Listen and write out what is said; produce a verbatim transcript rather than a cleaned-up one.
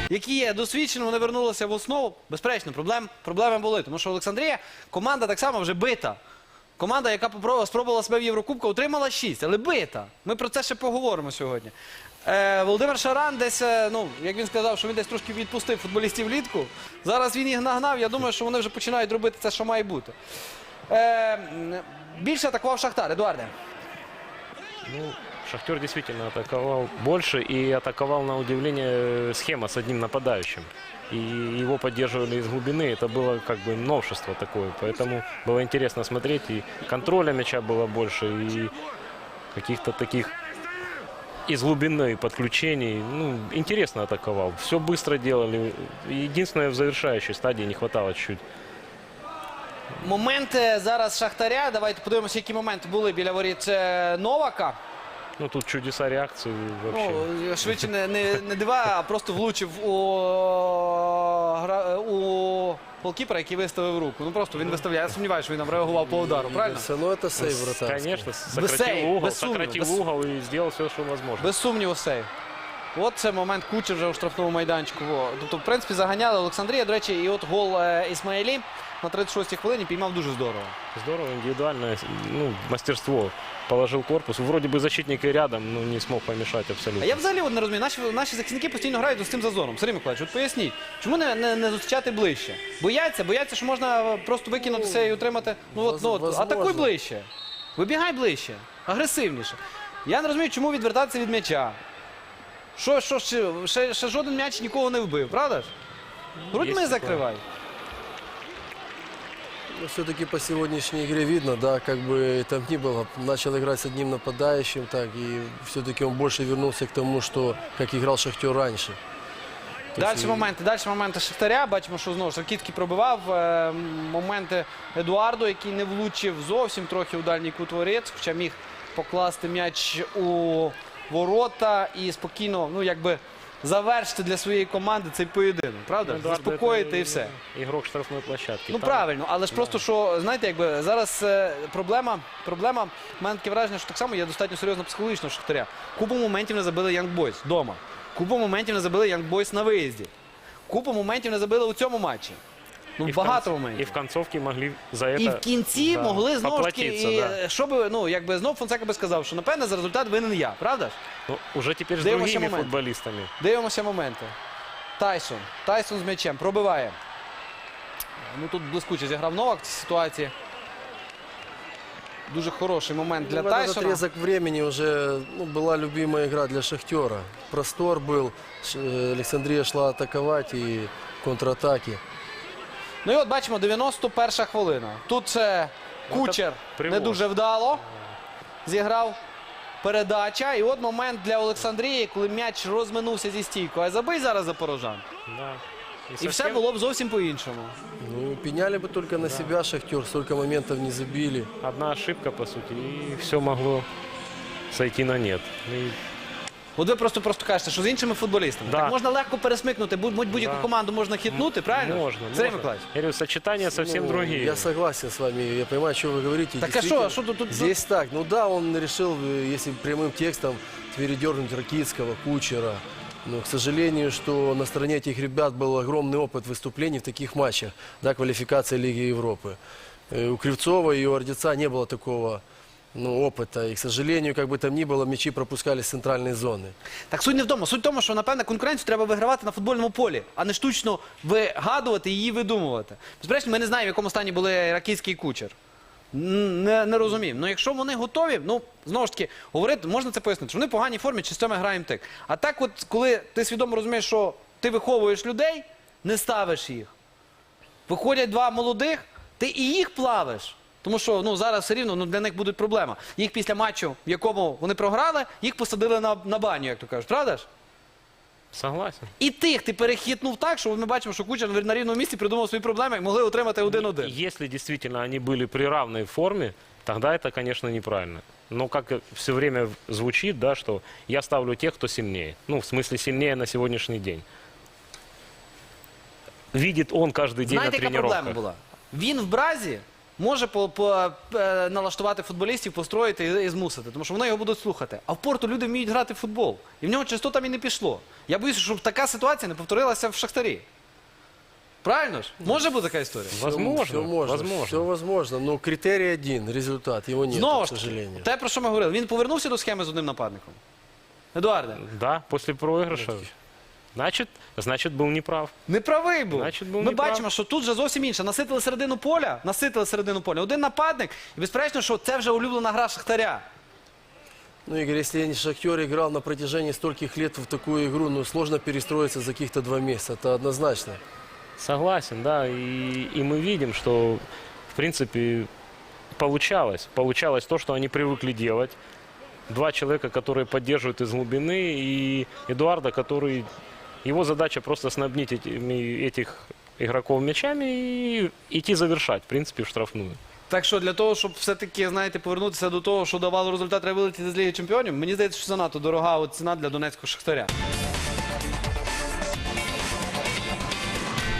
які є досвідчені, вони вернулися в основу. Безперечно, проблем, проблеми були. Тому що Олександрія, команда так само вже бита. Команда, яка попробувала, спробувала себе в Єврокубку, отримала шість, але бита. Ми про це ще поговоримо сьогодні. Е, Володимир Шаран десь, е, ну, як він сказав, що він десь трошки відпустив футболістів влітку. Зараз він їх нагнав, я думаю, що вони вже починають робити це, що має бути. Е, більше атакував Шахтар. Едуарде. Ну, Шахтер действительно атаковал больше и атаковал, на удивление, схема с одним нападающим. И его поддерживали из глубины. Это было как бы новшество такое. Поэтому было интересно смотреть. И контроля мяча было больше, и каких-то таких из глубины подключений. Ну, интересно атаковал. Все быстро делали. Единственное, в завершающей стадии не хватало чуть-чуть. Моменти зараз Шахтаря. Давайте подивимося, які моменти були біля воріт е, Новака. Ну, тут чудеса реакции вообще. Ну, швидше не, не, не дива, а просто влучив у, гра- у голкіпера, який виставив руку. Ну просто він виставляє. Я сумніваюся, що він там реагував по удару, правильно? Все, ну это сейв вратарский. Конечно, Без сократил сейв, угол, без сумніву, сократил без- угол и сделал все, что возможно. Без сумніву сейв. От це момент Кучер вже у штрафному майданчику. Во. Тобто, в принципі, заганяли Олександрія. До речі, і от гол е, Ісмаїлі на тридцять шостій хвилині піймав дуже здорово. Здорово, индивидуальное, ну, мастерство. Положил корпус. Вроде бы защитник и рядом, но не смог помешать А абсолютно. я взагалі от не розумію, наші, наші захисники постійно грають з цим зазором. Сергій Миколаївич, от поясніть, чому не, не, не зустрічати ближче? Бояться, бояться, що можна просто викинутися і отримати. Ну от, ну, от возможно. атакуй ближче. Вибігай ближче, агресивніше. Я не розумію, чому відвертатися від м'яча. Що, що, ще, ще, ще жоден м'яч нікого не вбив, правда ж? Грудьми Є закривай. Ну, все-таки по сегодняшней игре видно, да, как бы там ни было, начал играть с одним нападающим, так, и все-таки он больше вернулся к тому, что, как играл Шахтер раньше. То Далі есть, моменти, далі моменти Шахтаря. Бачимо, що знову ж Ракітський пробивав. Е, Моменти Едуарду, який не влучив зовсім трохи у дальній кут воріт, хоча міг покласти м'яч у ворота і спокійно, ну якби завершити для своєї команди цей поєдинок, правда? Ну, да, Заспокоїти это і все. Игрок штрафной площадки. Ну Там правильно, але ж просто, що, знаєте, якби зараз е, проблема, проблема, в мене таке враження, що так само є достатньо серйозна психологічна у Шахтаря. Купу моментів не забили Young Boys вдома. Купу моментів не забили Young Boys на виїзді. Купу моментів не забили у цьому матчі. Ну, и в багато конце- моментів. И в концовке могли за это І в кінці да, могли знову ж таки, поплатиться, і, да. щоб, ну, якби знов Фонсека би сказав, що напевне за результат винен я, правда ж? Ну, уже теперь с Дивимося другими момент. футболистами. Дивимося моменти. Тайсон. Тайсон з м'ячем пробиває. Ну тут блискуче зіграв Новак в цій ситуації. Дуже хороший момент для ну, в этот Тайсона. отрезок времени уже ну, была любимая игра для Шахтера. Простор был, Ш- э, Александрия шла атаковать и контратаки. Ну і от бачимо, дев'яносто перша хвилина. Тут це Кучер привоз. не дуже вдало зіграв. Передача. І от момент для Олександрії, коли м'яч розминувся зі стійкою. А забий зараз запорожан. Да. І совсем- все було б зовсім по-іншому. Ну, пеняли бы только на себя Шахтер, столько моментов не забили. Одна ошибка, по сути, и все могло сойти на нет. И От ви просто просто кажете, що з іншими футболістами. Да. Так можна легко пересмикнути, будь- будь-яку Да. команду можна хитнути, правильно? можно, Сергій можно. Миколаївич. Я говорю, сочетания совсем Ну, другие. Я согласен с вами, я понимаю, что вы говорите. Так а Действительно, что, а что тут- тут- Здесь так, ну да, он решил, э, если прямым текстом, передернуть Ракитского, Кучера. Но, к сожалению, что на стороне этих ребят был огромный опыт выступлений в таких матчах, да, квалификация Лиги Европы. Э, У Кривцова и у Ордеца не было такого ну, опыта. И, к сожалению, как бы там ни было, мячи пропускали с центральной зоны. Так суть не в тому. Суть в тому, що, напевне, конкуренцію треба вигравати на футбольному полі, а не штучно вигадувати і її видумувати. Безперечно, ми не знаємо, в якому стані були Ракітський і Кучер. Н- Не, не розуміємо. Ну, якщо вони готові, ну, знову ж таки, говорити, можна це пояснити, що вони в поганій формі, чи з цим ми граємо так. А так от, коли ти свідомо розумієш, що ти виховуєш людей, не ставиш їх. Виходять два молодих, ти і їх плавиш. Тому що ну, зараз все рівно ну, для них буде проблема. Їх після матчу, в якому вони програли, їх посадили на, на баню, як то кажуть. Правда ж? Согласен. І тих ти перехитнув так, що ми бачимо, що Кучер на рівному місці придумав свої проблеми і могли отримати один-один. Если действительно они были при равной форме, тогда это, конечно, неправильно. Но как все время звучит, да, что я ставлю тех, кто сильнее. Ну, в смысле, сильнее на сегодняшний день. Видит он каждый день Знаєте, на яка тренировках. проблема була? Він в Бразі може по, по, е, налаштувати футболістів, построїти і, і змусити, тому що вони його будуть слухати. А в Порту люди вміють грати в футбол. І в нього часто там і не пішло. Я боюся, щоб така ситуація не повторилася в Шахтарі. Правильно ж? Може бути така історія? Возможно, Все можно, возможно. все возможно. Но критерий один, результат, его нет, Знову к ж таки, сожалению. те, про що ми говорили, він повернувся до схеми з одним нападником. Едуарде, Да, после проигрыша. Значит, значит, был неправ. не правий був. Значить, був Ми неправ. бачимо, що тут вже зовсім інше. Наситили середину поля, наситили середину поля. Один нападник, і безперечно, що це вже улюблена гра Шахтаря. Ну, Игорь, если не Шахтер играл на протяжении стольких лет в такую игру, ну, сложно перестроиться за каких-то два месяца, это однозначно. Согласен, да. И, и мы видим, что, в принципе, получалось. Получалось то, что они привыкли делать. Два человека, которые поддерживают из глубины, и Эдуарда, который... Его задача просто снабнить этими, этих игроков мячами и идти завершать, в принципе, в штрафную. Так що для того, щоб все-таки, знаєте, повернутися до того, що давало результат, треба вилетіти з Ліги Чемпіонів, мені здається, що занадто дорога от ціна для донецького Шахтаря.